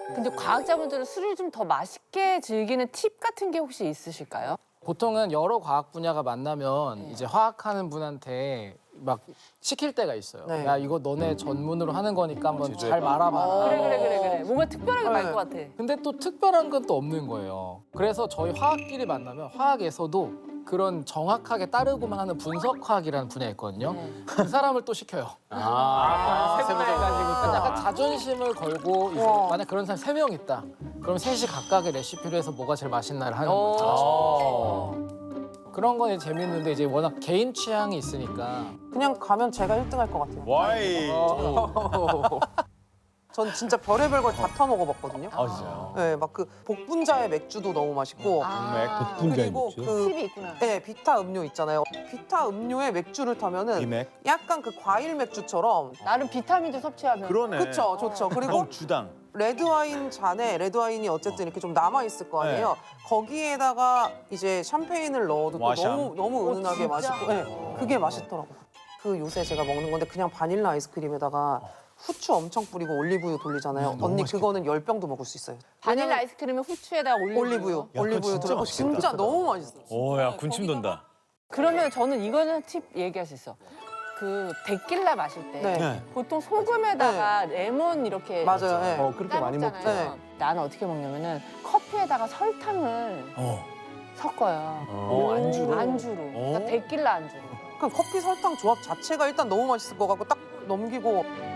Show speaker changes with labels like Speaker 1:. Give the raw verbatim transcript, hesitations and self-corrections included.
Speaker 1: 근데 과학자분들은 술을 좀 더 맛있게 즐기는 팁 같은 게 혹시 있으실까요?
Speaker 2: 보통은 여러 과학 분야가 만나면 이제 화학하는 분한테 막 시킬 때가 있어요.
Speaker 3: 네.
Speaker 2: 야 이거 너네 전문으로 하는 거니까 한번 잘 말아봐라.
Speaker 1: 그래 그래 그래 그래. 뭔가 특별하게 말 것 같아.
Speaker 2: 근데 또 특별한 건 또 없는 거예요. 그래서 저희 화학끼리 만나면 화학에서도 그런 정확하게 따르고만 하는 분석화학이라는 분야 있거든요. 그 사람을 또 시켜요.
Speaker 4: 아,
Speaker 2: 그러니까 약간 자존심을 걸고 이제 만약 그런 사람 세 명 있다. 그럼 셋이 각각의 레시피로 해서 뭐가 제일 맛있나를 하는 거죠.
Speaker 1: 어.
Speaker 2: 그런 건 이제 재밌는데 이제 워낙 개인 취향이 있으니까
Speaker 3: 그냥 가면 제가 일 등 할 것 같아요.
Speaker 4: 와이.
Speaker 3: 전 진짜 별의별 걸 다 타먹어봤거든요.
Speaker 4: 아, 진짜요?
Speaker 3: 네, 막 그 복분자의 맥주도 너무 맛있고
Speaker 1: 아,
Speaker 3: 그리고 그
Speaker 1: 팁이 있구나.
Speaker 3: 네, 비타 음료 있잖아요. 비타 음료에 맥주를 타면은
Speaker 4: 비맥?
Speaker 3: 약간 그 과일 맥주처럼
Speaker 1: 나름 비타민도 섭취하면.
Speaker 4: 그러네.
Speaker 3: 그쵸, 좋죠. 그리고
Speaker 4: 그럼 주당.
Speaker 3: 레드와인 잔에 레드와인이 어쨌든 이렇게 좀 남아 있을 거 아니에요. 거기에다가 이제 샴페인을 넣어도 또
Speaker 4: 와샴.
Speaker 3: 너무 너무 은은하게
Speaker 1: 진짜?
Speaker 3: 맛있고, 네, 그게 맛있더라고요. 그 요새 제가 먹는 건데 그냥 바닐라 아이스크림에다가 후추 엄청 뿌리고 올리브유 돌리잖아요. 언니 그거는 열 병도 먹을 수 있어요.
Speaker 1: 바닐라 아이스크림에 후추에다가 올리브유.
Speaker 3: 올리브유,
Speaker 4: 야, 그거
Speaker 3: 올리브유
Speaker 4: 진짜
Speaker 3: 들어가
Speaker 4: 맛있겠다.
Speaker 3: 진짜 너무 맛있어요.
Speaker 4: 오, 야, 군침 돈다.
Speaker 1: 그러면 저는 이거는 팁 얘기할 수 있어. 그 데킬라 마실 때
Speaker 3: 네.
Speaker 1: 보통 소금에다가 레몬 이렇게
Speaker 3: 맞아요. 네.
Speaker 5: 어, 그렇게 많이 먹죠.
Speaker 1: 따먹잖아요. 나는 어떻게 먹냐면은 커피에다가 설탕을
Speaker 4: 어.
Speaker 1: 섞어요.
Speaker 4: 어, 안주로?
Speaker 1: 안주로. 그러니까
Speaker 4: 어?
Speaker 1: 데킬라 안주로.
Speaker 3: 그럼 커피 설탕 조합 자체가 일단 너무 맛있을 것 같고 딱 넘기고